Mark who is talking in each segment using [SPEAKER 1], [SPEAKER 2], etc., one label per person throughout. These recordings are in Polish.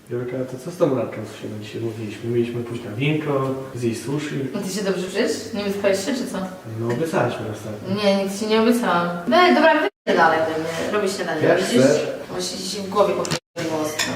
[SPEAKER 1] Wielka, to co z tą randką, co się dzisiaj mówiliśmy? Mieliśmy pójść na winko, zjeść sushi.
[SPEAKER 2] No ty się dobrze czujesz? Nie wyspałeś się, czy co?
[SPEAKER 1] No obiecaliśmy ostatnio.
[SPEAKER 2] Nie, nic ci nie obiecałam. No dobra, wyjdę dalej, będę robić śniadanie.
[SPEAKER 1] Jak
[SPEAKER 2] Widzisz?
[SPEAKER 1] chcesz.
[SPEAKER 2] Właśnie ci się w głowie popierdoliło ostro.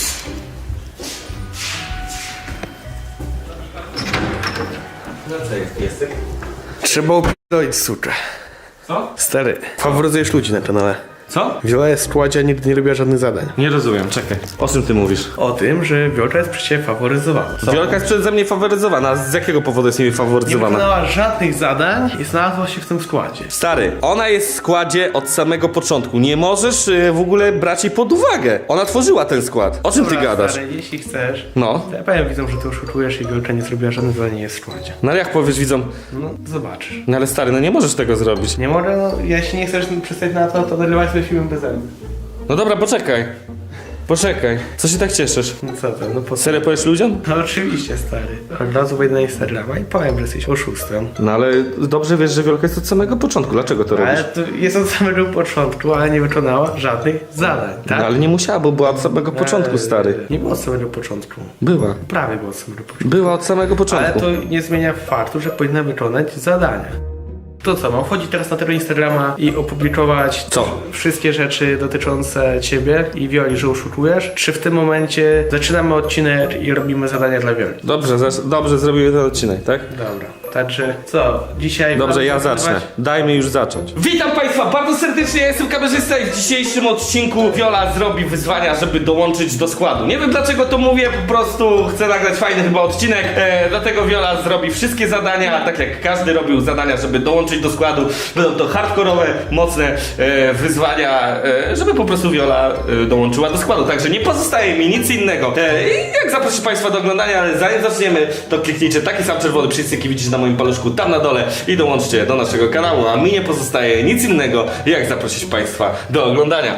[SPEAKER 3] No co jest, piesek?
[SPEAKER 1] Trzeba upierdolić suczę.
[SPEAKER 3] Co?
[SPEAKER 1] Stary, faworyzujesz ludzi na kanale.
[SPEAKER 3] Co?
[SPEAKER 1] Wiola jest w składzie, a nigdy nie robiła żadnych zadań.
[SPEAKER 3] Nie rozumiem, czekaj. O czym ty mówisz?
[SPEAKER 1] O tym, że Wiolka jest przez ciebie faworyzowana.
[SPEAKER 3] Wiolka jest przeze mnie faworyzowana. A z jakiego powodu jest niby
[SPEAKER 1] Nie
[SPEAKER 3] faworyzowana?
[SPEAKER 1] wykonała żadnych zadań i znalazła się w tym składzie.
[SPEAKER 3] Stary, ona jest w składzie od samego początku. Nie możesz w ogóle brać jej pod uwagę. Ona tworzyła ten skład. O czym ty
[SPEAKER 1] Dobra,
[SPEAKER 3] gadasz?
[SPEAKER 1] Stary, jeśli chcesz,
[SPEAKER 3] No.
[SPEAKER 1] to ja powiem widzom, że ty oszukujesz i Wiolka nie zrobiła żadnych zadań, nie jest w składzie.
[SPEAKER 3] No ale jak powiesz widzom?
[SPEAKER 1] No, zobaczysz.
[SPEAKER 3] No ale stary, no nie możesz tego zrobić.
[SPEAKER 1] Nie może, no, jeśli nie chcesz przystać na to, to nagrywać sobie filmem bez mnie.
[SPEAKER 3] No dobra, poczekaj. Poczekaj. Co się tak cieszysz?
[SPEAKER 1] No co to, no po co?
[SPEAKER 3] Serio powiesz ludziom?
[SPEAKER 1] No oczywiście, stary. Od razu wejdę na Instagrama i powiem, że jesteś oszustem.
[SPEAKER 3] No ale dobrze wiesz, że Wiolka jest od samego początku. Dlaczego to robisz?
[SPEAKER 1] Ale to jest od samego początku, ale nie wykonała żadnych zadań, tak?
[SPEAKER 3] No ale nie musiała, bo była od samego początku, stary.
[SPEAKER 1] Nie było od samego początku.
[SPEAKER 3] Była.
[SPEAKER 1] Prawie było od samego początku.
[SPEAKER 3] Była od samego
[SPEAKER 1] Ale
[SPEAKER 3] początku.
[SPEAKER 1] to nie zmienia faktu, że powinna wykonać zadania. To co, mam wchodzić teraz na tego Instagrama i opublikować
[SPEAKER 3] Co?
[SPEAKER 1] wszystkie rzeczy dotyczące ciebie i Wioli, że oszukujesz? Czy w tym momencie zaczynamy odcinek i robimy zadania dla Wioli?
[SPEAKER 3] Dobrze zrobiły ten odcinek, tak?
[SPEAKER 1] Dobra, także co, dzisiaj...
[SPEAKER 3] Dobrze, ja
[SPEAKER 1] wam
[SPEAKER 3] zacznę.
[SPEAKER 1] pokazywać?
[SPEAKER 3] Dajmy już zacząć. Witam Państwa bardzo serdecznie, ja jestem kamerzysta i w dzisiejszym odcinku Wiola zrobi wyzwania, żeby dołączyć do składu. Nie wiem dlaczego to mówię, po prostu chcę nagrać fajny chyba odcinek, dlatego Wiola zrobi wszystkie zadania, tak jak każdy robił zadania, żeby dołączyć do składu. Będą to hardkorowe, mocne wyzwania, żeby po prostu Wiola dołączyła do składu. Także nie pozostaje mi nic innego. I jak zaprosić Państwa do oglądania, ale zanim zaczniemy, to kliknijcie taki sam czerwony przycisk, jaki widzicie na moim paluszku tam na dole i dołączcie do naszego kanału, a mi nie pozostaje nic innego, jak zaprosić Państwa do oglądania.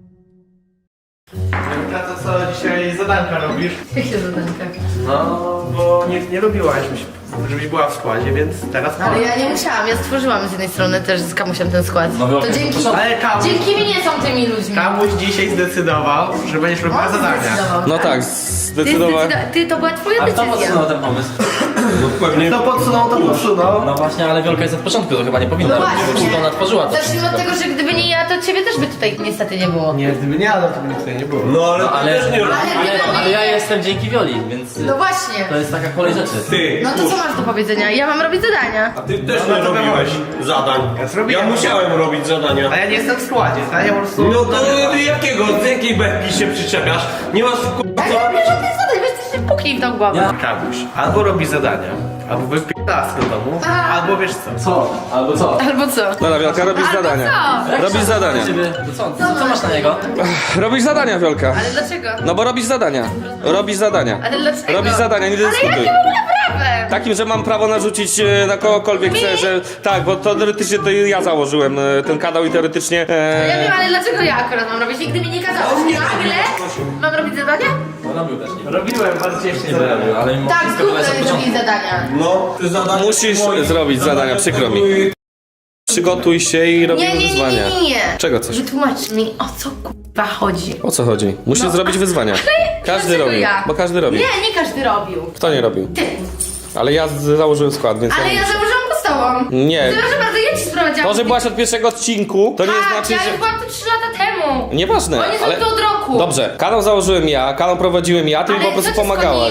[SPEAKER 1] Wiolka, to co, dzisiaj zadanka robisz?
[SPEAKER 2] Jakie zadanka?
[SPEAKER 1] No, bo nie lubiłaś, żebyś była w składzie, więc teraz
[SPEAKER 2] Ale ja nie musiałam, ja stworzyłam z jednej strony też z Kamusiem ten skład. To dzięki...
[SPEAKER 1] Ale Kamuś,
[SPEAKER 2] Dzięki mi nie są tymi ludźmi.
[SPEAKER 1] Kamuś dzisiaj zdecydował, że będziesz robiła
[SPEAKER 2] On
[SPEAKER 1] zadania.
[SPEAKER 2] zdecydował,
[SPEAKER 3] No
[SPEAKER 2] tak.
[SPEAKER 3] tak, zdecydowanie.
[SPEAKER 2] Ty, to była twoja
[SPEAKER 4] A kto
[SPEAKER 2] decyzja.
[SPEAKER 4] podsunął ten pomysł?
[SPEAKER 1] Kto podsunął, to podsunął.
[SPEAKER 4] No właśnie, ale Wiolka jest od początku, to chyba nie powinna
[SPEAKER 2] No
[SPEAKER 4] robić,
[SPEAKER 2] właśnie.
[SPEAKER 4] bo ona tworzyła to
[SPEAKER 2] Zacznijmy od
[SPEAKER 4] wszystko.
[SPEAKER 2] tego, że gdyby nie ja, to ciebie też by tutaj niestety nie było.
[SPEAKER 1] Nie, gdyby nie Adam, to by tutaj nie było.
[SPEAKER 3] No ale,
[SPEAKER 4] No ale,
[SPEAKER 2] Ale
[SPEAKER 4] ale ja jestem dzięki Wioli, więc
[SPEAKER 2] No właśnie.
[SPEAKER 4] to jest taka kolej rzeczy.
[SPEAKER 5] Ty,
[SPEAKER 2] No to co masz do powiedzenia? Ja mam robić zadania.
[SPEAKER 5] a ty też
[SPEAKER 1] No,
[SPEAKER 5] nie
[SPEAKER 1] no to
[SPEAKER 5] robiłeś zadań.
[SPEAKER 1] Ja zrobiłem.
[SPEAKER 5] Ja musiałem robić zadania.
[SPEAKER 1] A ja nie jestem w składzie, tak? Ja po prostu...
[SPEAKER 5] No to ty jakiego, z jakiej beczki się przyczepiasz? Nie masz k***a
[SPEAKER 2] Ale ja nie robię żadnych zadań, weź ty się puknij w tą głowę.
[SPEAKER 4] Ja?
[SPEAKER 1] Kamuś, albo robi zadania, albo wypierdala z do domu,
[SPEAKER 2] Aha.
[SPEAKER 1] albo wiesz co?
[SPEAKER 4] Co? Albo co?
[SPEAKER 2] Albo co?
[SPEAKER 3] Dobra, Wiolka, robisz
[SPEAKER 2] Albo
[SPEAKER 3] zadania.
[SPEAKER 2] co?
[SPEAKER 3] Robisz zadania.
[SPEAKER 4] Ciebie, to co masz na niego?
[SPEAKER 3] Robisz zadania, Wiolka.
[SPEAKER 2] Ale dlaczego?
[SPEAKER 3] No bo robisz zadania. Robisz zadania.
[SPEAKER 2] Ale dlaczego?
[SPEAKER 3] Robisz zadania, nie
[SPEAKER 2] Ale
[SPEAKER 3] dyskutuj.
[SPEAKER 2] jakie w ogóle prawem?
[SPEAKER 3] Takim, że mam prawo narzucić na kogokolwiek chcę, że... Tak, bo to teoretycznie to ja założyłem ten kanał i teoretycznie...
[SPEAKER 2] Ja wiem, ale dlaczego ja akurat mam robić? Nigdy mi nie kazałeś. Nagle mam robić zadania?
[SPEAKER 4] No robił też, nie
[SPEAKER 1] Robiłem bardzo ciężkie
[SPEAKER 4] nie
[SPEAKER 1] zadania.
[SPEAKER 4] robił, ale mimo
[SPEAKER 2] Tak,
[SPEAKER 4] wszystko to jest od
[SPEAKER 2] zróbmy
[SPEAKER 4] początku.
[SPEAKER 2] robić zadania.
[SPEAKER 5] No, ty zadania...
[SPEAKER 3] Musisz
[SPEAKER 5] moje
[SPEAKER 3] zrobić zadania, przykro mi.
[SPEAKER 5] były-
[SPEAKER 3] Przygotuj się i robimy
[SPEAKER 2] Nie,
[SPEAKER 3] wyzwania.
[SPEAKER 2] nie.
[SPEAKER 3] Czego coś?
[SPEAKER 2] Wytłumacz mi, o co kurwa chodzi.
[SPEAKER 3] O co chodzi? Musisz
[SPEAKER 2] No.
[SPEAKER 3] zrobić wyzwania. Każdy
[SPEAKER 2] Dlaczego
[SPEAKER 3] robił,
[SPEAKER 2] ja?
[SPEAKER 3] bo każdy robił.
[SPEAKER 2] Nie każdy robił.
[SPEAKER 3] Kto nie robił?
[SPEAKER 2] Ty.
[SPEAKER 3] Ale ja założyłem skład, więc...
[SPEAKER 2] Ale ja założyłam go z tobą.
[SPEAKER 3] Nie.
[SPEAKER 2] Proszę bardzo, ja ci sprowadzałam.
[SPEAKER 3] To, że byłaś od pierwszego odcinku, to nie
[SPEAKER 2] Tak,
[SPEAKER 3] znaczy,
[SPEAKER 2] ja
[SPEAKER 3] że...
[SPEAKER 2] już byłam tu 3 lata temu.
[SPEAKER 3] Nieważne,
[SPEAKER 2] Oni są
[SPEAKER 3] ale...
[SPEAKER 2] tu od roku.
[SPEAKER 3] Dobrze, kanał założyłem ja, kanał prowadziłem ja, ty mi po prostu pomagałaś.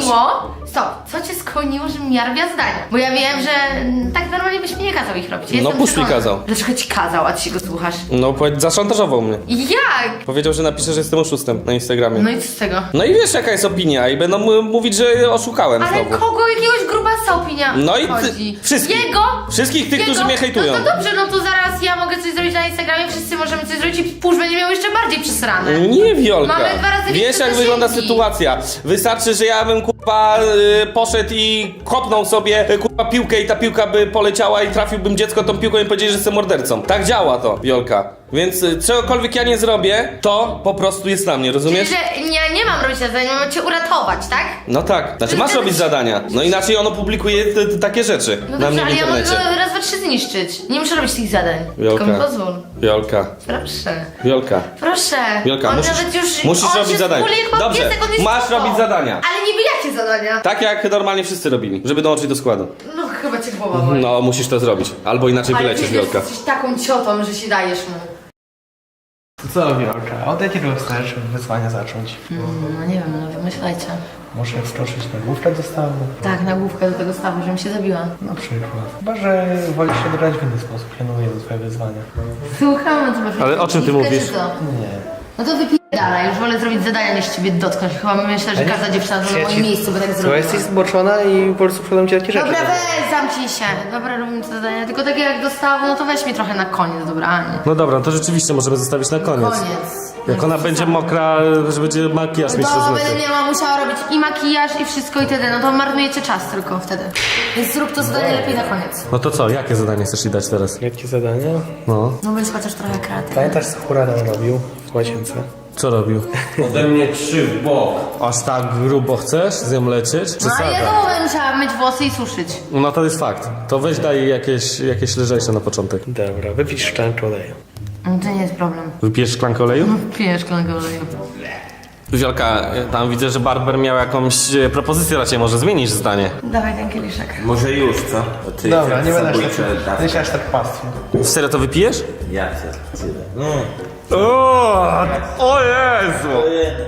[SPEAKER 2] Co cię skłoniło, żebym ja robiła zdania? Bo ja wiem, że tak normalnie byś mi nie kazał ich robić. Ja
[SPEAKER 3] No,
[SPEAKER 2] jestem
[SPEAKER 3] puść mi
[SPEAKER 2] przekonana.
[SPEAKER 3] kazał.
[SPEAKER 2] Dlaczego ci kazał, a ty się go słuchasz?
[SPEAKER 3] No, zaszantażował mnie.
[SPEAKER 2] Jak?
[SPEAKER 3] Powiedział, że napiszę, że jestem oszustem na Instagramie.
[SPEAKER 2] No i co z tego?
[SPEAKER 3] No i wiesz jaka jest opinia i będą mówić, że oszukałem
[SPEAKER 2] Ale
[SPEAKER 3] znowu.
[SPEAKER 2] kogo jakiegoś grubasa opinia
[SPEAKER 3] No i
[SPEAKER 2] chodzi?
[SPEAKER 3] wszystkich.
[SPEAKER 2] Jego?
[SPEAKER 3] Wszystkich tych,
[SPEAKER 2] Jego?
[SPEAKER 3] którzy mnie hejtują.
[SPEAKER 2] No to dobrze, no to zaraz ja mogę coś zrobić na Instagramie, wszyscy możemy coś zrobić i pusz będzie miał jeszcze bardziej przesrane.
[SPEAKER 3] Nie, Wiolka.
[SPEAKER 2] Mamy 2 razy
[SPEAKER 3] Wiesz
[SPEAKER 2] więcej
[SPEAKER 3] jak wygląda
[SPEAKER 2] zasięgi.
[SPEAKER 3] sytuacja. Wystarczy, że ja bym kurwa poszedł i kopnął sobie kurwa piłkę i ta piłka by poleciała i trafiłbym dziecko tą piłką i powiedzieli, że jestem mordercą. Tak działa to, Wiolka. Więc czegokolwiek ja nie zrobię, to po prostu jest na mnie, rozumiesz?
[SPEAKER 2] Czyli, że ja nie mam robić zadania, mam cię uratować, tak?
[SPEAKER 3] No tak, znaczy masz robić zadania. No inaczej ono publikuje takie rzeczy
[SPEAKER 2] No
[SPEAKER 3] na mnie
[SPEAKER 2] dobrze,
[SPEAKER 3] w
[SPEAKER 2] ale ja mogę
[SPEAKER 3] internecie.
[SPEAKER 2] go raz, dwa, trzy zniszczyć. Nie muszę robić tych zadań.
[SPEAKER 3] Wiolka.
[SPEAKER 2] Tylko mi pozwól.
[SPEAKER 3] Wiolka,
[SPEAKER 2] Proszę.
[SPEAKER 3] Wiolka.
[SPEAKER 2] Proszę.
[SPEAKER 3] Wiolka,
[SPEAKER 2] On
[SPEAKER 3] musisz,
[SPEAKER 2] nawet już,
[SPEAKER 3] musisz
[SPEAKER 2] on
[SPEAKER 3] robić
[SPEAKER 2] się
[SPEAKER 3] zadania.
[SPEAKER 2] skuli jak
[SPEAKER 3] Dobrze,
[SPEAKER 2] piesek, on jest
[SPEAKER 3] masz
[SPEAKER 2] spoko.
[SPEAKER 3] robić zadania.
[SPEAKER 2] Ale niby jakie zadania?
[SPEAKER 3] Tak jak normalnie wszyscy robili, żeby dołączyć do składu.
[SPEAKER 2] No chyba cię głowa boli.
[SPEAKER 3] No, musisz to zrobić. Albo inaczej
[SPEAKER 2] Ale
[SPEAKER 3] wylecisz,
[SPEAKER 2] ty
[SPEAKER 3] Wiolka.
[SPEAKER 2] jesteś taką ciotą, że się dajesz mu.
[SPEAKER 1] Co Wiolka? Od jakiego chcesz wyzwania zacząć?
[SPEAKER 2] No nie wiem, no wymyślajcie.
[SPEAKER 1] Może wskoczyć na główkę do stawu?
[SPEAKER 2] Tak, na główkę do tego stawu, żebym się zabiła.
[SPEAKER 1] Na przykład. Chyba, że wolisz się dobrać w inny sposób. Ja mówię do twoje wyzwania.
[SPEAKER 2] Słucham, co masz.
[SPEAKER 3] Ale o czym ty
[SPEAKER 2] Główkę,
[SPEAKER 3] mówisz?
[SPEAKER 2] czy co?
[SPEAKER 1] Nie.
[SPEAKER 2] No to wypierdalaj, już wolę zrobić zadania niż ciebie dotknąć. Chyba myślę, że każda dziewczyna to na moim miejscu by tak
[SPEAKER 1] Słuchaj,
[SPEAKER 2] zrobiła.
[SPEAKER 1] jesteś zboczona i po prostu przychodzą ci takie rzeczy.
[SPEAKER 2] Dobra, weź, zamknij się. Dobra, robimy te zadania. Tylko takie jak dostałam, no to weź mnie trochę na koniec, dobra, a nie.
[SPEAKER 3] No dobra, to rzeczywiście możemy zostawić na koniec.
[SPEAKER 2] Koniec.
[SPEAKER 3] Jak ona będzie mokra, że będzie makijaż mieć
[SPEAKER 2] To
[SPEAKER 3] rozmyty.
[SPEAKER 2] będę miała musiała robić i makijaż i wszystko i wtedy, no to marnujecie czas tylko wtedy. Więc zrób to zadanie lepiej na koniec.
[SPEAKER 3] No to co, jakie zadanie chcesz jej dać teraz?
[SPEAKER 1] Jakie zadania?
[SPEAKER 3] No.
[SPEAKER 2] No bądź chociaż trochę kreatywny.
[SPEAKER 1] Pamiętasz, co Huragan robił w łazience?
[SPEAKER 3] Co robił?
[SPEAKER 5] Ode mnie 3 w bok.
[SPEAKER 3] Aż tak grubo chcesz z nią lecieć?
[SPEAKER 2] No ale ja znowu będę musiała myć włosy i suszyć.
[SPEAKER 3] No to jest fakt. To weź daj jej jakieś lżejsze na początek.
[SPEAKER 1] Dobra, wypisz szklankę oleju.
[SPEAKER 2] No to nie jest problem.
[SPEAKER 3] Wypijesz szklankę oleju?
[SPEAKER 2] Pijesz szklankę oleju.
[SPEAKER 3] Wielka, tam widzę, że Barber miał jakąś propozycję dla ciebie, może zmienisz zdanie.
[SPEAKER 2] Dawaj ten kieliszek.
[SPEAKER 5] Może już, co? Bo ty
[SPEAKER 1] Dobra, nie będę
[SPEAKER 5] zabójcze
[SPEAKER 1] aż tak,
[SPEAKER 5] dawki.
[SPEAKER 1] nie aż tak pastwił.
[SPEAKER 3] Serio to wypijesz?
[SPEAKER 5] Ja cię tyle. No.
[SPEAKER 3] O Jezu!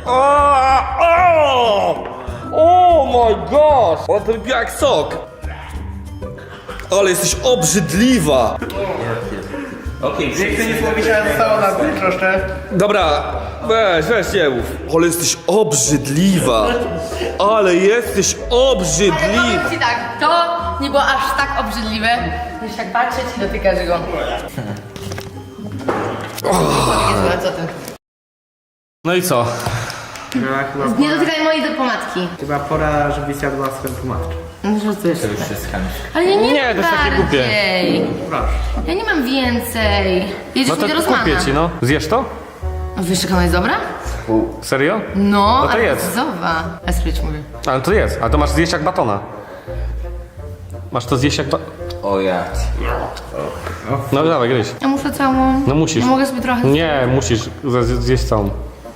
[SPEAKER 3] O my gosh! On to wypija jak sok! Ale jesteś obrzydliwa!
[SPEAKER 5] Okej,
[SPEAKER 1] Nie chcę nic mówić, ale zostało na tym troszkę.
[SPEAKER 3] Dobra, weź nie mów. Ale jesteś obrzydliwa! Ale jesteś
[SPEAKER 2] Ale
[SPEAKER 3] obrzydliwa!
[SPEAKER 2] powiem ci tak, to nie było aż tak obrzydliwe, niż tak patrzeć i dotykać go. Jezu, co ty?
[SPEAKER 3] No i co?
[SPEAKER 2] Nie dotykaj mojej pomadki.
[SPEAKER 1] Chyba pora, żebyś zjadła swoją pomadkę.
[SPEAKER 2] No żartujesz.
[SPEAKER 5] to już jest chęć.
[SPEAKER 2] Ale ja nie
[SPEAKER 3] Nie,
[SPEAKER 2] mam
[SPEAKER 3] to jest takie głupie.
[SPEAKER 2] bardziej.
[SPEAKER 1] Proszę.
[SPEAKER 2] Ja nie mam więcej. Jedziesz
[SPEAKER 3] No
[SPEAKER 2] mi do
[SPEAKER 3] to
[SPEAKER 2] Rosmana.
[SPEAKER 3] kupię ci, no. Zjesz to?
[SPEAKER 2] Wiesz, jak ona jest dobra?
[SPEAKER 3] Serio?
[SPEAKER 2] No,
[SPEAKER 3] to
[SPEAKER 2] ale
[SPEAKER 3] jedz.
[SPEAKER 2] zowa. Esprycz mówię.
[SPEAKER 3] Ale to jest, a to masz zjeść jak batona. Masz to zjeść jak
[SPEAKER 5] O ja.
[SPEAKER 3] No dawaj, gryź.
[SPEAKER 2] Ja muszę całą.
[SPEAKER 3] No musisz.
[SPEAKER 2] Ja mogę sobie trochę.
[SPEAKER 3] Nie, musisz zjeść całą.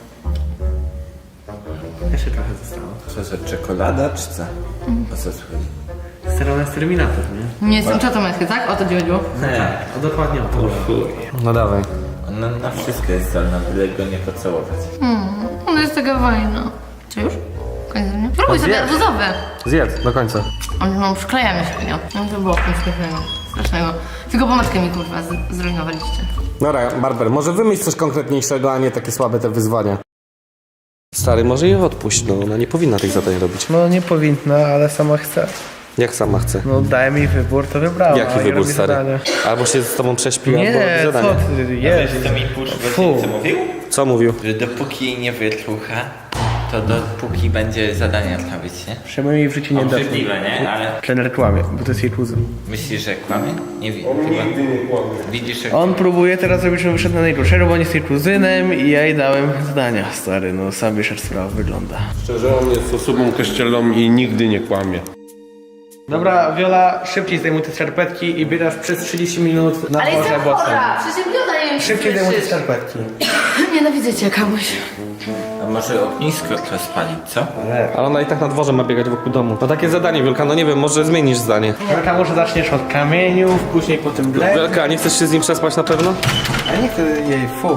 [SPEAKER 1] Jeszcze trochę zostało.
[SPEAKER 5] Co za czekolada, czy co? O co chodzi?
[SPEAKER 1] Sterona jest Terminator, nie?
[SPEAKER 2] Nie jestem ciotą Esky, tak? O to ci chodziło?
[SPEAKER 5] Nie.
[SPEAKER 1] O, dokładnie o to.
[SPEAKER 3] No dawaj.
[SPEAKER 5] Ona na wszystko jest zdolna, byle go nie pocałować.
[SPEAKER 2] Ona jest taka fajna. Czy już? Koniec dnia? Próbuj sobie
[SPEAKER 3] zjedz.
[SPEAKER 2] arbuzowe.
[SPEAKER 3] Zjedz, do końca.
[SPEAKER 2] No, przyklejamy się, nie? No to było strasznego. Tylko pomadkę mi kurwa zrujnowaliście.
[SPEAKER 3] Dobra, Barber, może wymyśl coś konkretniejszego, a nie takie słabe te wyzwania. Stary, może jej odpuść, no ona nie powinna tych zadań robić.
[SPEAKER 1] No nie powinna, ale sama chce.
[SPEAKER 3] Jak sama chce.
[SPEAKER 1] No dałem mi wybór, to wybrała.
[SPEAKER 3] Jaki
[SPEAKER 1] i
[SPEAKER 3] wybór,
[SPEAKER 1] robi
[SPEAKER 3] stary?
[SPEAKER 1] zadania.
[SPEAKER 3] Albo się z tobą prześpi, albo robi
[SPEAKER 1] Nie,
[SPEAKER 3] zadania.
[SPEAKER 1] co ty, jest.
[SPEAKER 5] Co mi Pusz
[SPEAKER 1] Fu.
[SPEAKER 5] co mówił?
[SPEAKER 3] Co mówił?
[SPEAKER 5] Że dopóki jej nie wytrucha, to dopóki będzie zadania robić, nie?
[SPEAKER 1] Przynajmniej jej w życiu nie da.
[SPEAKER 5] Obrzydliwe, nie? Ale
[SPEAKER 1] Trener kłamie, bo to jest jej kuzyn.
[SPEAKER 5] myślisz, że kłamie? Nie wiem. Chyba. Widzisz, jak...
[SPEAKER 1] On próbuje teraz zrobić, żeby wyszedł na najgorszego, bo on jest jej kuzynem i ja jej dałem zadania. Stary, no sam wiesz jak sprawa wygląda.
[SPEAKER 6] Szczerze, on jest osobą kościelną i nigdy nie kłamie.
[SPEAKER 1] Dobra, Wiola, szybciej zdejmuj te skarpetki i biegasz przez 30 minut na
[SPEAKER 2] Ale
[SPEAKER 1] dworze
[SPEAKER 2] jestem
[SPEAKER 1] bocznym.
[SPEAKER 2] chora! Przecież mioda nie wiem, czy
[SPEAKER 1] Szybciej zdejmuj te
[SPEAKER 2] słyszysz.
[SPEAKER 1] skarpetki.
[SPEAKER 2] Nienawidzę cię, Kamuś.
[SPEAKER 5] A może ognisko rozpalić, co?
[SPEAKER 3] Ale ona i tak na dworze ma biegać wokół domu. No takie zadanie, Wielka, no nie wiem, może zmienisz zdanie.
[SPEAKER 1] Wielka, może zaczniesz od kamieniów, później po tym gleb.
[SPEAKER 3] Wielka, nie chcesz się z nim przespać na pewno?
[SPEAKER 1] A nie chcę jej, fu.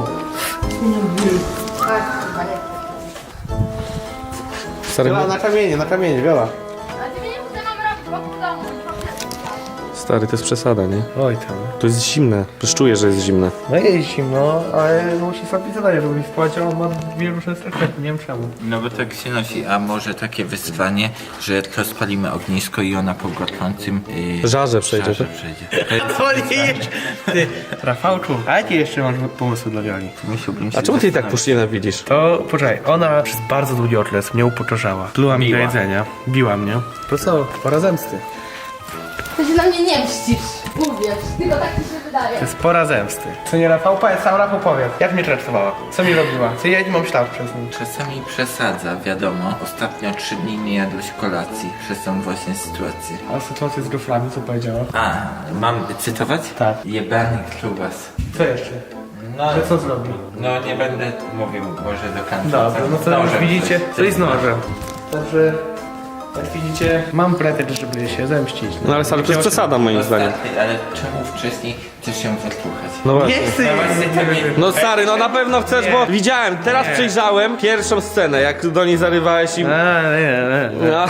[SPEAKER 3] Stary,
[SPEAKER 1] Wiola, na kamienie, Wiola.
[SPEAKER 2] Ale ty mnie nie chcę mam robić wokół domu.
[SPEAKER 3] stary, to jest przesada, nie?
[SPEAKER 1] Oj tam.
[SPEAKER 3] To jest zimne. Przecież czuję, że jest zimne.
[SPEAKER 1] No jest zimno, ale musi sobie zadanie robić. Spłać, a on ma dwie różne skarpetki, nie wiem czemu.
[SPEAKER 5] No bo tak się nosi, a może takie wyzwanie, że rozpalimy ognisko i ona po gorącym...
[SPEAKER 3] Żarze przejdzie,
[SPEAKER 5] żarze
[SPEAKER 3] tak?
[SPEAKER 5] przejdzie.
[SPEAKER 1] To nie jeszcze. Ty, Rafałczu, a jakie jeszcze masz pomysły dla Wioli?
[SPEAKER 5] Musiałbym się
[SPEAKER 3] A czemu ty jej tak
[SPEAKER 5] zastanowić.
[SPEAKER 3] pusz nienawidzisz?
[SPEAKER 1] To poczekaj, ona przez bardzo długi okres mnie upokarzała. Pluła mi do jedzenia, biła mnie. To co, pora zemsty.
[SPEAKER 2] Ty się na mnie nie mścisz. Mówię, tylko tak mi się wydaje. daje.
[SPEAKER 1] To jest pora zemsty. Co nie Rafał? Powiedz, sam Rafał powiedz. Jak mnie traktowała? Co mi robiła? Co ja nie mam ślad przez nim?
[SPEAKER 5] Czasami przesadza, wiadomo. Ostatnio 3 dni nie jadłeś kolacji przez tą właśnie sytuację.
[SPEAKER 1] A sytuację z goframi, co powiedziała?
[SPEAKER 5] A, mam cytować?
[SPEAKER 1] Tak.
[SPEAKER 5] Jebany klubas.
[SPEAKER 1] Co jeszcze?
[SPEAKER 5] No,
[SPEAKER 1] Że co zrobi?
[SPEAKER 5] no nie będę mówił może do końca.
[SPEAKER 1] Dobra, no to już
[SPEAKER 5] Nożem
[SPEAKER 1] widzicie,
[SPEAKER 5] coś-
[SPEAKER 1] coś z nożem. Także, jak widzicie, mam pretekst, żeby się zemścić.
[SPEAKER 3] No ale stary, to jest przesada moim zdaniem.
[SPEAKER 5] Ostatni, ale czemu wcześniej chcesz się wysłuchać?
[SPEAKER 3] No
[SPEAKER 1] Nie
[SPEAKER 3] właśnie.
[SPEAKER 1] chcę jeść.
[SPEAKER 3] No stary, no na pewno chcesz, bo widziałem, teraz przejrzałem pierwszą scenę, jak do niej zarywałeś i...
[SPEAKER 1] Nie.
[SPEAKER 3] No.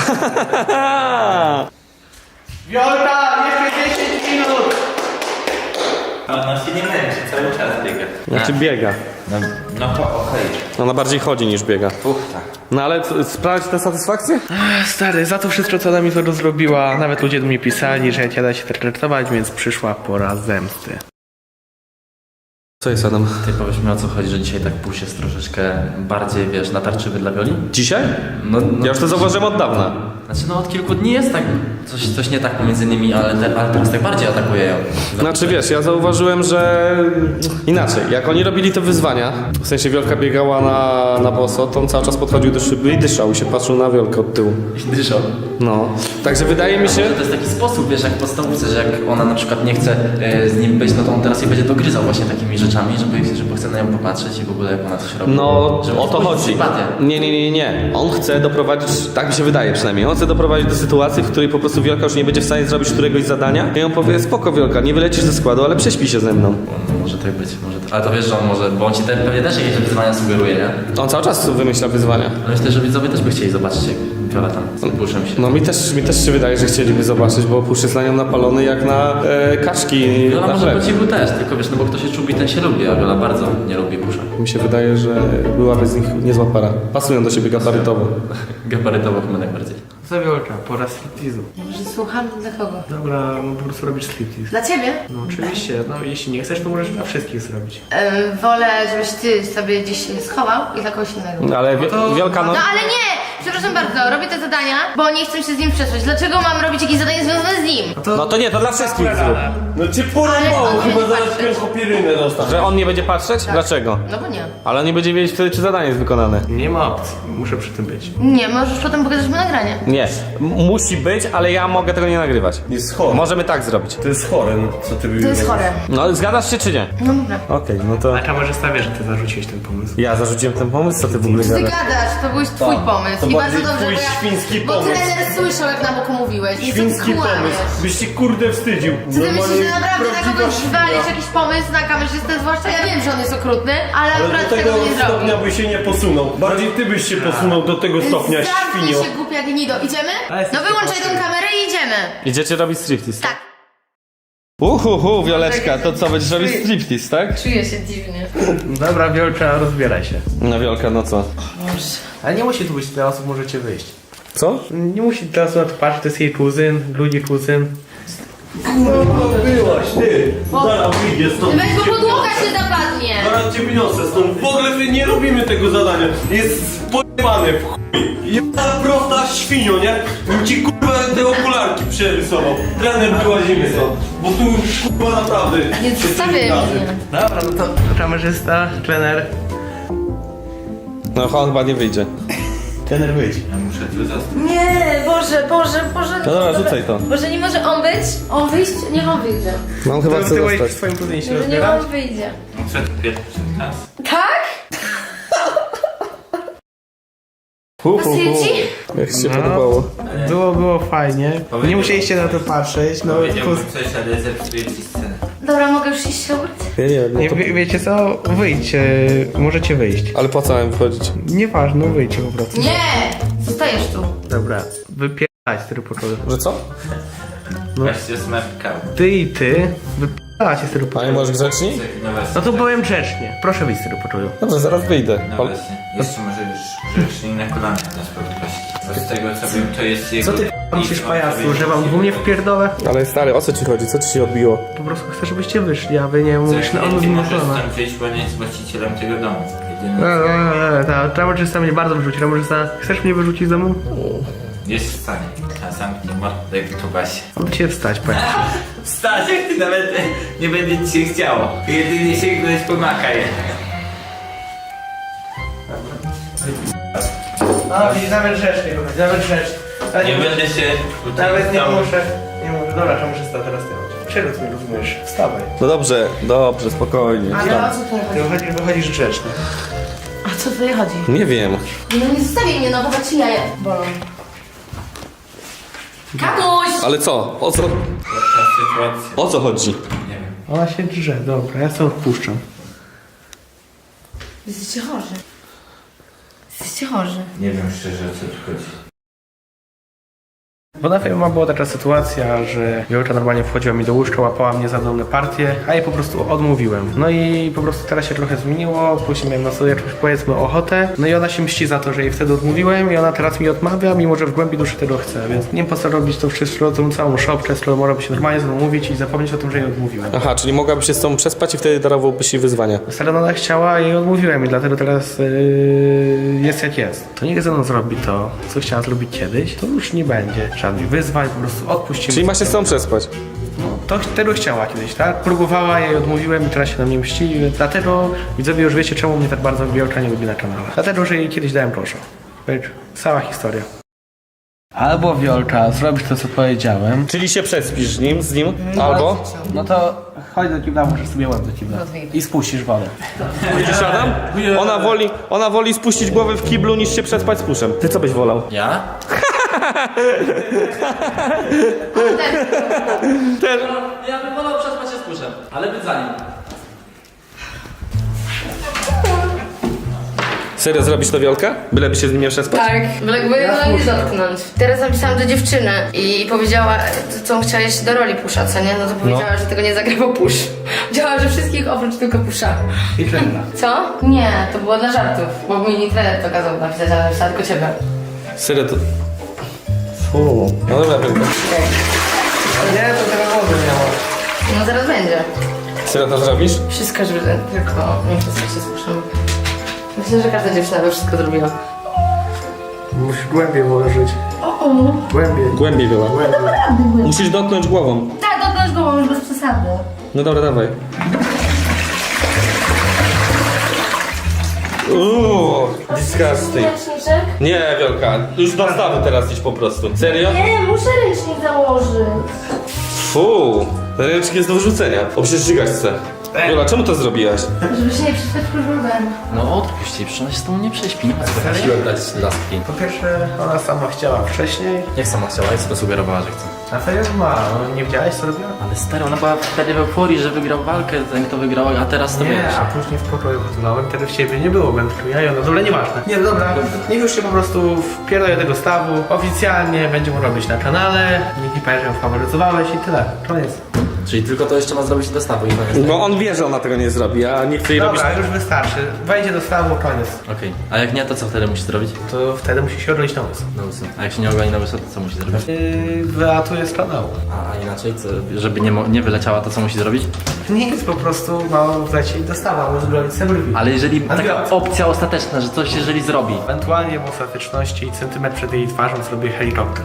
[SPEAKER 1] Wiolka, jeszcze 10 minut!
[SPEAKER 5] Ona się nie męczy, cały czas biega.
[SPEAKER 3] Znaczy biega.
[SPEAKER 5] No to okej.
[SPEAKER 3] Ona bardziej chodzi niż biega.
[SPEAKER 5] Puchta.
[SPEAKER 3] No ale sprawia ci tę satysfakcję?
[SPEAKER 1] Stary, za to wszystko, co ona mi to zrobiła, nawet ludzie do mnie pisali, że ja da się traktować, więc przyszła pora zemsty.
[SPEAKER 3] Co jest, Adam?
[SPEAKER 4] Ty powiedz mi, o co chodzi, że dzisiaj tak puls jest troszeczkę bardziej, wiesz, natarczywy dla Wioli?
[SPEAKER 3] Dzisiaj?
[SPEAKER 4] No,
[SPEAKER 3] Ja już to zauważyłem od dawna.
[SPEAKER 4] Znaczy no od kilku dni jest tak, coś nie tak pomiędzy nimi, ale teraz tak bardziej atakuje ją.
[SPEAKER 3] Znaczy wiesz, ja zauważyłem, że inaczej, jak oni robili te wyzwania, w sensie Wiolka biegała na boso, to on cały czas podchodził do szyby i dyszał i się patrzył na Wiolkę od tyłu.
[SPEAKER 4] I dyszał.
[SPEAKER 3] No, także wydaje mi się...
[SPEAKER 4] To jest taki sposób, wiesz, jak w podstawówce, że jak ona na przykład nie chce z nim być, no to on teraz jej będzie dogryzał właśnie takimi rzeczami, żeby chce na nią popatrzeć i w ogóle jak ona coś robi.
[SPEAKER 3] No,
[SPEAKER 4] żeby
[SPEAKER 3] o to
[SPEAKER 4] wzbudzić
[SPEAKER 3] chodzi.
[SPEAKER 4] sympatię.
[SPEAKER 3] Nie. On chce doprowadzić, tak mi się wydaje przynajmniej, on chce doprowadzić do sytuacji, w której po prostu Wiolka już nie będzie w stanie zrobić któregoś zadania i on powie, spoko Wiolka, nie wylecisz ze składu, ale prześpij się ze mną.
[SPEAKER 4] No, może tak być, ale to wiesz, że on może, bo on ci pewnie też jakieś wyzwania sugeruje, nie?
[SPEAKER 3] On cały czas wymyśla wyzwania.
[SPEAKER 4] No myślę, że widzowie też by chcieli zobaczyć, jak Wiola tam z tym puszem się...
[SPEAKER 3] No mi też się wydaje, że chcieliby zobaczyć, bo pusz jest na nią napalony jak na kaczki
[SPEAKER 4] Wiola
[SPEAKER 3] na
[SPEAKER 4] może
[SPEAKER 3] chleb.
[SPEAKER 4] po cichu też, tylko wiesz, no bo kto się czubi, ten się lubi, a Wiola bardzo nie lubi pusza.
[SPEAKER 3] Mi się wydaje, że byłaby z nich niezła para. Pasują do siebie gabarytowo.
[SPEAKER 4] Gabarytowo chyba najbardziej.
[SPEAKER 1] Co Wiolka, pora striptizu.
[SPEAKER 2] Ja może słucham dla kogo?
[SPEAKER 1] Dobra, no po prostu robisz striptiz.
[SPEAKER 2] Dla ciebie?
[SPEAKER 1] No oczywiście, no jeśli nie chcesz, to możesz dla wszystkich zrobić.
[SPEAKER 2] Wolę, żebyś ty sobie gdzieś się schował i dla kogoś innego.
[SPEAKER 3] Ale Wiolka, no...
[SPEAKER 2] No ale nie! Przepraszam bardzo, robię te zadania, bo nie chcę się z nim przespać. Dlaczego mam robić jakieś zadanie związane z nim?
[SPEAKER 3] No to nie, to dla wszystkich zrób.
[SPEAKER 6] No cię
[SPEAKER 2] Ale
[SPEAKER 6] porąbało,
[SPEAKER 2] on
[SPEAKER 6] chyba
[SPEAKER 2] nie
[SPEAKER 6] zaraz
[SPEAKER 2] patrzy.
[SPEAKER 6] pierwszą pirynę dostać.
[SPEAKER 3] Że on nie będzie patrzeć? Dlaczego?
[SPEAKER 2] No bo nie.
[SPEAKER 3] Ale on nie będzie wiedzieć wtedy, czy zadanie jest wykonane.
[SPEAKER 1] Nie ma opcji, muszę przy tym być.
[SPEAKER 2] Nie, możesz potem pokazać mu nagranie.
[SPEAKER 3] Nie, musi być, ale ja mogę tego nie nagrywać.
[SPEAKER 6] Jest chory.
[SPEAKER 3] Możemy tak zrobić.
[SPEAKER 6] To jest chore, no co ty
[SPEAKER 2] To jest chore.
[SPEAKER 3] No zgadzasz się czy nie?
[SPEAKER 2] No dobra.
[SPEAKER 3] Okej, no to...
[SPEAKER 1] A kamerzysta wie, że ty zarzuciłeś ten pomysł.
[SPEAKER 3] Ja zarzuciłem ten pomysł, co ty w ogóle
[SPEAKER 2] Ty
[SPEAKER 3] gadasz?
[SPEAKER 2] gadasz, to był twój pomysł.
[SPEAKER 6] to
[SPEAKER 2] I bardzo
[SPEAKER 6] bardziej
[SPEAKER 2] dobrze,
[SPEAKER 6] twój
[SPEAKER 2] bo ja...
[SPEAKER 6] świński
[SPEAKER 2] Bo
[SPEAKER 6] pomysł.
[SPEAKER 2] trener słyszał, jak na boku mówiłeś. I
[SPEAKER 6] Świński
[SPEAKER 2] co ty kłamiesz?
[SPEAKER 6] pomysł. Byś się kurde wstydził.
[SPEAKER 2] Czy ty myślisz, że naprawdę na
[SPEAKER 6] prawdziwa
[SPEAKER 2] kogoś
[SPEAKER 6] świnia.
[SPEAKER 2] zwalisz jakiś pomysł na kamerzystę? Zwłaszcza ja wiem, że on jest okrutny, ale
[SPEAKER 6] Ale
[SPEAKER 2] akurat
[SPEAKER 6] do tego
[SPEAKER 2] tego nie zrobi.
[SPEAKER 6] stopnia by się nie posunął. Bardziej ty byś się posunął do tego stopnia,
[SPEAKER 2] Zamknij
[SPEAKER 6] świnio.
[SPEAKER 2] się, głupia gnido. Idziemy?
[SPEAKER 1] Ale jesteś
[SPEAKER 2] No wyłączaj tę kamerę i idziemy.
[SPEAKER 3] Idziecie robić striptease?
[SPEAKER 2] Tak.
[SPEAKER 3] Wioleczka, to co, będziesz robić striptease, tak?
[SPEAKER 2] Czuję się dziwnie.
[SPEAKER 1] Dobra, Wiolka, rozbieraj się.
[SPEAKER 3] No Wiolka, no co?
[SPEAKER 1] Ale nie musi tu być tyle osób, możecie wyjść.
[SPEAKER 3] Co?
[SPEAKER 1] Nie musi tyle osób na to patrzeć, to jest jej kuzyn, ludzi kuzyn.
[SPEAKER 6] Byłaś ty. Zaraz wyjdzie stąd.
[SPEAKER 2] Weź, bo podłoga się zapadnie.
[SPEAKER 6] Zaraz cię wyniosę stąd. W ogóle my nie robimy tego zadania. Jest pojebane w chuj. Jedna prosta świnio, nie? Bym ci kurwa te okularki przerysował. Trener wyłazimy stąd. Bo tu kurwa naprawdę.
[SPEAKER 2] Nie zostawię mnie.
[SPEAKER 1] Dobra, no to kamerzysta, trener.
[SPEAKER 3] No on chyba nie wyjdzie.
[SPEAKER 1] Trener wyjdź.
[SPEAKER 5] Ja muszę tu zostać.
[SPEAKER 2] Nie, Boże.
[SPEAKER 3] No dobra, rzucaj to.
[SPEAKER 2] Boże, nie może on być? On wyjść? Niech on wyjdzie.
[SPEAKER 3] No on chyba
[SPEAKER 1] Ty
[SPEAKER 3] chce
[SPEAKER 1] byłeś w
[SPEAKER 3] zostać.
[SPEAKER 1] swoim kuzynie się
[SPEAKER 2] Może niech
[SPEAKER 1] rozbierać?
[SPEAKER 2] on wyjdzie.
[SPEAKER 5] Muszę pierwszy raz.
[SPEAKER 2] Tak?
[SPEAKER 3] Pasuje
[SPEAKER 2] ci?
[SPEAKER 3] Jak ci się podobało?
[SPEAKER 1] Było fajnie. Nie musieliście na to patrzeć, no
[SPEAKER 5] Powiedziałbym coś, ale zepsuję ci scenę.
[SPEAKER 2] Dobra, mogę już iść się umyć?
[SPEAKER 3] Ja nie wiem, no
[SPEAKER 1] nie,
[SPEAKER 3] to...
[SPEAKER 1] wiecie co? Wyjdź, możecie wyjść.
[SPEAKER 3] Ale po co mam wychodzić?
[SPEAKER 1] Nieważne, wyjdźcie po prostu.
[SPEAKER 2] Nie! Zostajesz tu.
[SPEAKER 1] Dobra, wypierdalać z pokoju.
[SPEAKER 3] Że co?
[SPEAKER 5] Weź się smerkał.
[SPEAKER 1] Ty i ty, wypierdalać z
[SPEAKER 3] A nie
[SPEAKER 1] pokoju.
[SPEAKER 3] możesz grzeczni?
[SPEAKER 5] No właśnie.
[SPEAKER 1] No to powiem grzecznie. Proszę wyjść z pokoju.
[SPEAKER 3] Dobrze, zaraz wyjdę.
[SPEAKER 5] No właśnie. Jeszcze może już grzecznie na kolanach nas podprosić. Bo z tego co wiem, to jest jego...
[SPEAKER 1] Co ty myślisz, pajacu, że wam dwóch nie wpierdolę?
[SPEAKER 3] Ale stary, o co ci chodzi? Co ci się odbiło?
[SPEAKER 1] Po prostu chcę, żebyście wyszli, a wy nie mówisz na
[SPEAKER 5] Ty
[SPEAKER 1] odwrót
[SPEAKER 5] możesz
[SPEAKER 1] kolana.
[SPEAKER 5] stąd wyjść, bo nie jest właścicielem tego domu. Jedyny...
[SPEAKER 1] Ta kamerzysta mnie bardzo wyrzuci. Kamerzysta, chcesz mnie wyrzucić z domu?
[SPEAKER 5] Jest w stanie. A zamknij mordę, jak to Basia.
[SPEAKER 1] On cię wstać, powiem ci.
[SPEAKER 5] Wstać, jak ty nawet nie będzie ci się chciało. Jedynie sięgnąć po makaj.
[SPEAKER 1] No, nawet grzecznie, nawet grzecznie.
[SPEAKER 5] Nie będę się
[SPEAKER 1] Nawet nie
[SPEAKER 5] tam-
[SPEAKER 1] muszę. Nie muszę. Dobra, to muszę stać teraz ty. Przerób mnie, rozumiesz? Wstawaj.
[SPEAKER 3] No dobrze, spokojnie.
[SPEAKER 2] Ale o co tutaj chodzi?
[SPEAKER 1] Ty wychodzisz grzeczny.
[SPEAKER 2] A co tutaj chodzi?
[SPEAKER 3] Nie wiem.
[SPEAKER 2] No nie zostawię mnie, no chyba ci jaja bolą. Kamuś!
[SPEAKER 3] Ale co? O co?
[SPEAKER 5] Sytuacja.
[SPEAKER 3] O co chodzi?
[SPEAKER 5] Nie wiem.
[SPEAKER 1] Ona się drze, dobra, ja sobie odpuszczam.
[SPEAKER 2] Jesteście chorzy. Jesteście chorzy.
[SPEAKER 5] Nie wiem szczerze, o co tu chodzi.
[SPEAKER 1] Bo na filmie była taka sytuacja, że Wiolka normalnie wchodziła mi do łóżka, łapała mnie za dolne partie, a jej po prostu odmówiłem. No i po prostu teraz się trochę zmieniło, później miałem na sobie jakąś, powiedzmy, ochotę. No i ona się mści za to, że jej wtedy odmówiłem i ona teraz mi odmawia, mimo że w głębi duszy tego chce, więc nie wiem po co robić to wszystko, tą całą szopkę, skoro mogłaby się normalnie z mną mówić i zapomnieć o tym, że jej odmówiłem.
[SPEAKER 3] Aha, czyli mogłaby się z tobą przespać i wtedy darowałbyś jej wyzwania.
[SPEAKER 1] Stara ona chciała i jej odmówiłem i dlatego teraz jest jak jest. To niech ze mną zrobi to, co chciała zrobić kiedyś, to już nie będzie żadnych wyzwań, po prostu odpuścimy.
[SPEAKER 3] Czyli ma się z tobą przespać.
[SPEAKER 1] To tego chciała kiedyś, tak? Próbowała, ja jej odmówiłem i teraz się na mnie mści. Dlatego widzowie już wiecie, czemu mnie tak bardzo Wiolka nie lubi na kanale. Dlatego, że jej kiedyś dałem proszę. Cała historia. Albo Wiolka, zrobisz to, co powiedziałem.
[SPEAKER 3] Czyli się przespisz z nim, albo...
[SPEAKER 1] No to chodź do kibla, możesz sobie łeb do kibla. I spuścisz wodę.
[SPEAKER 3] Widzisz, Adam? Ona woli spuścić głowę w kiblu, niż się przespać z puszem. Ty co byś wolał?
[SPEAKER 4] Ja? Ja bym wolał przespać się z puszem, ale być za nim.
[SPEAKER 3] Serio zrobisz to, Wiolka? Byleby się z nim nie przespać?
[SPEAKER 2] Tak, byleby go nie dotknąć. Teraz napisałam do dziewczyny i powiedziała, co chciała jeszcze do roli Pusza, co nie? No to powiedziała, że tego nie zagrał Pusz. Powiedziała, że wszystkich oprócz tylko Pusza.
[SPEAKER 1] I trenera.
[SPEAKER 2] Co? Nie, to było dla żartów, bo mi trener to kazał napisać, ale napisała tylko ciebie.
[SPEAKER 3] Serio to... Fu. No dobra, Wiolka.
[SPEAKER 1] Nie, to teraz wody miało.
[SPEAKER 2] No zaraz będzie.
[SPEAKER 3] Serio to zrobisz?
[SPEAKER 2] Wszystko, żeby tylko nie przestać się z Puszem. Myślę, że każda dziewczyna by wszystko zrobiła.
[SPEAKER 1] Musisz głębiej włożyć. Głębiej.
[SPEAKER 3] Głębiej, Wiola. Musisz dotknąć głową.
[SPEAKER 2] Tak, dotknąć głową, już bez przesady.
[SPEAKER 3] No dobra, dawaj. Disgusting.
[SPEAKER 2] Ręczniczek?
[SPEAKER 3] Nie, Wiolka, już do stawu teraz idź po prostu. Serio?
[SPEAKER 2] Nie, muszę ręcznik założyć.
[SPEAKER 3] Fu, ten ręcznik jest do wyrzucenia. O, przecież żygać chce. Wiola, czemu to zrobiłaś?
[SPEAKER 2] Żeby się nie przespać próbowałem.
[SPEAKER 4] No odpuść jej, przecież ona się z tobą nie prześpi. Nie ma co tak siłę dać laski.
[SPEAKER 1] Po pierwsze, ona sama chciała wcześniej.
[SPEAKER 4] Jak sama chciała i co to sugerowała, że chce?
[SPEAKER 1] A serio ma, no, nie widziałeś co robiła?
[SPEAKER 4] Ale stary, ona była wtedy w euforii, że wygrał walkę, ten kto wygrał, a teraz to
[SPEAKER 1] Nie,
[SPEAKER 4] wiesz.
[SPEAKER 1] a później w pokoju wyznałem, wtedy w ciebie nie było, będę tu ja i ona, dobra, nieważne. Nie, dobra, niech już się po prostu wpierdolę do tego stawu, oficjalnie będziemy robić na kanale, nikt nie powie, że ją faworyzowałeś i tyle, koniec.
[SPEAKER 4] Czyli tylko to jeszcze ma zrobić do stawu i koniec.
[SPEAKER 3] Bo on wie, że ona tego nie zrobi, a nie chce jej robić.
[SPEAKER 1] Dobra, już wystarczy, wejdzie do stawu, koniec.
[SPEAKER 4] Okej, a jak nie, to co wtedy musi zrobić?
[SPEAKER 1] To wtedy musi się odrodzić na łyso.
[SPEAKER 4] Na łyso. A jak się nie ogoni na łyso, to co musi zrobić?
[SPEAKER 1] Wylatuje z kanału.
[SPEAKER 4] A inaczej, co, żeby nie wyleciała, to co musi zrobić?
[SPEAKER 1] Nic, po prostu ma wlecieć do stawu, albo zbroić sobie brwi.
[SPEAKER 4] Ale jeżeli taka
[SPEAKER 1] Adrian.
[SPEAKER 4] opcja ostateczna, że coś jeżeli zrobi.
[SPEAKER 1] Ewentualnie w ostateczności centymetr przed jej twarzą zrobię helikopter.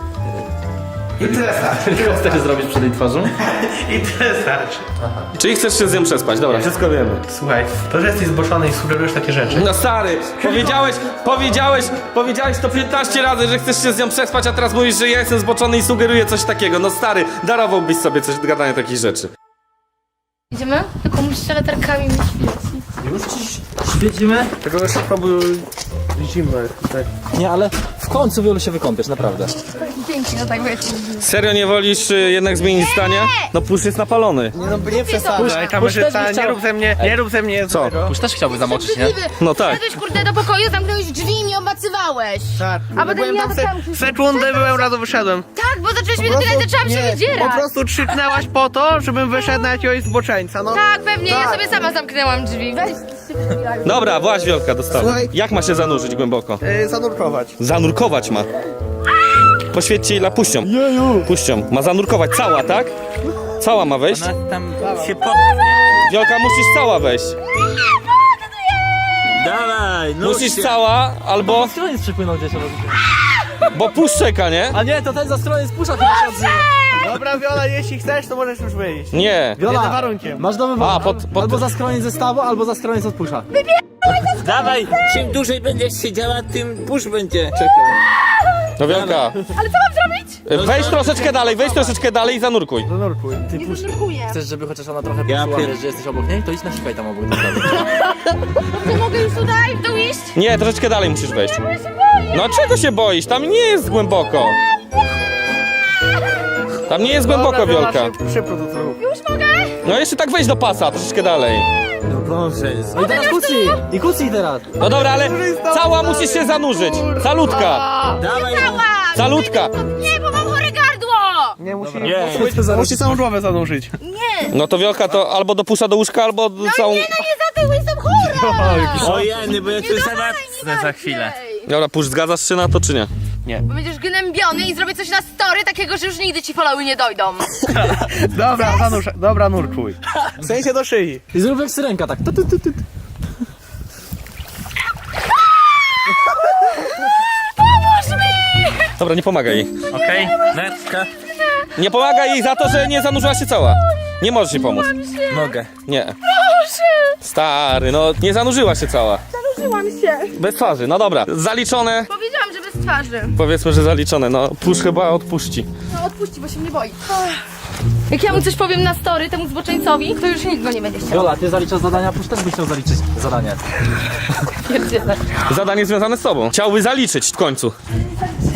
[SPEAKER 1] I tyle starczy.
[SPEAKER 4] Co wtedy zrobisz przed jej twarzą?
[SPEAKER 1] I tyle starczy.
[SPEAKER 3] Czyli chcesz się z nią przespać, dobra, wszystko wiemy.
[SPEAKER 1] Słuchaj, to, że jesteś zboczony i sugerujesz takie rzeczy.
[SPEAKER 3] No stary, powiedziałeś to 15 razy, że chcesz się z nią przespać, a teraz mówisz, że ja jestem zboczony i sugeruję coś takiego. No stary, darowałbyś sobie coś do gadania takich rzeczy.
[SPEAKER 2] Idziemy? Tylko musisz latarkami
[SPEAKER 4] Świecimy?
[SPEAKER 1] Tego jeszcze próbuj zimę. Tak.
[SPEAKER 4] Nie, ale w końcu wielu się wykąpiesz, naprawdę.
[SPEAKER 2] Pięknie, no tak wiecie.
[SPEAKER 3] Serio nie wolisz jednak zmienić zdania? No pusz jest napalony.
[SPEAKER 1] Nie przesadzaj, kamerzysta, nie rób ze mnie
[SPEAKER 3] Co?
[SPEAKER 4] Już też chciałby zamoczyć, nie?
[SPEAKER 3] No tak.
[SPEAKER 2] Wszedłeś kurde do pokoju, zamknąłeś drzwi i mnie obmacywałeś.
[SPEAKER 1] Tak,
[SPEAKER 2] A potem ja tam
[SPEAKER 1] sekundę byłem, razu wyszedłem.
[SPEAKER 2] Tak, bo zacząłeś mnie dotykać, zaczęłam się wydzierać.
[SPEAKER 1] Po prostu krzyknęłaś po to, żebym wyszedł na jakiegoś zboczeńca, no.
[SPEAKER 2] Tak, pewnie, ja sobie sama zamknęłam drzwi. Weź.
[SPEAKER 3] Dobra, właź Wiolka do stawu.
[SPEAKER 1] Słuchaj.
[SPEAKER 3] Jak ma się zanurzyć głęboko?
[SPEAKER 1] Zanurkować.
[SPEAKER 3] Zanurkować ma. Poświęćcie jej puścią. Puścią. Ma zanurkować cała, tak? Cała ma wejść?
[SPEAKER 5] Tam się
[SPEAKER 3] Wiolka, musisz cała wejść.
[SPEAKER 5] Dawaj, no
[SPEAKER 3] Musisz cała, albo...
[SPEAKER 4] Koniec przypłynął gdzieś.
[SPEAKER 3] Bo pusz czeka, nie?
[SPEAKER 4] A nie, to ten za stronę spusza chyba się odzywa.
[SPEAKER 1] Dobra, Wiola, jeśli chcesz, to możesz już wyjść.
[SPEAKER 3] Nie.
[SPEAKER 4] Wiola,
[SPEAKER 1] Jednym warunkiem.
[SPEAKER 4] masz do wyboru.
[SPEAKER 3] A,
[SPEAKER 4] Albo za skroniec zestawu, albo za skroniec od pusza.
[SPEAKER 7] Dawaj, czym dłużej będziesz siedziała, tym pusz będzie czekał.
[SPEAKER 3] No Wielka.
[SPEAKER 2] Ale co mam zrobić?
[SPEAKER 3] Wejdź troszeczkę dalej i zanurkuj.
[SPEAKER 1] Zanurkuj.
[SPEAKER 4] Ty pusz.
[SPEAKER 2] Nurkuję.
[SPEAKER 4] Chcesz, żeby chociaż ona trochę
[SPEAKER 7] Ja
[SPEAKER 4] poczuła,
[SPEAKER 7] pier-
[SPEAKER 4] wiesz, że jesteś obok niej? To idź nasikaj tam obok.
[SPEAKER 2] To mogę już tutaj w dół iść?
[SPEAKER 3] Nie, troszeczkę dalej musisz wejść. No czego się boisz? Tam nie jest głęboko. Tam nie jest głęboko, Wiolka.
[SPEAKER 1] Szybko to zrób.
[SPEAKER 2] Już mogę?
[SPEAKER 3] No jeszcze tak wejdź do pasa, troszeczkę dalej.
[SPEAKER 7] No Boże,
[SPEAKER 4] No i teraz kucnij! I kucnij teraz!
[SPEAKER 3] No dobra, ale cała musisz się zanurzyć. Calutka.
[SPEAKER 7] dawaj.
[SPEAKER 3] Calutka.
[SPEAKER 2] Nie, bo mam chore gardło!
[SPEAKER 1] Nie, musi,
[SPEAKER 4] Musi
[SPEAKER 1] całą głowę zanurzyć.
[SPEAKER 2] Nie!
[SPEAKER 3] No to Wiolka to albo do pusza do łóżka, albo do całą...
[SPEAKER 2] Nie, no nie za tył, jestem chora!
[SPEAKER 7] O jeny, bo ja tu zaraz za chwilę.
[SPEAKER 3] Dobra, pusz, zgadzasz się na to, czy nie?
[SPEAKER 2] Bo będziesz gnębiony i zrobię coś na story takiego, że już nigdy ci followy nie dojdą.
[SPEAKER 1] Dobra, zanurz, dobra, nurkuj. W sensie do szyi.
[SPEAKER 4] I zrób jak syrenka, tak.
[SPEAKER 3] Dobra, nie pomagaj jej.
[SPEAKER 7] Okej, netka.
[SPEAKER 3] Nie pomagaj jej za to, że nie zanurzyła się cała. Nie możesz jej pomóc.
[SPEAKER 7] Mogę.
[SPEAKER 3] Nie. Proszę. Stary, no nie zanurzyła się cała.
[SPEAKER 2] Zanurzyłam się.
[SPEAKER 3] Bez twarzy, no dobra. Zaliczone.
[SPEAKER 2] Powiedziałam, że bez twarzy.
[SPEAKER 3] Powiedzmy, że zaliczone. No, pusz chyba odpuści.
[SPEAKER 2] No odpuści, bo się mnie boi. Jak ja mu coś powiem na story, temu zboczeńcowi, to już nikt go nie będzie chciał.
[SPEAKER 4] Jola, ty zaliczasz zadania, pusz też byś chciał zaliczyć zadanie.
[SPEAKER 2] Pierdzielę.
[SPEAKER 3] Zadanie związane z tobą. Chciałby zaliczyć w końcu.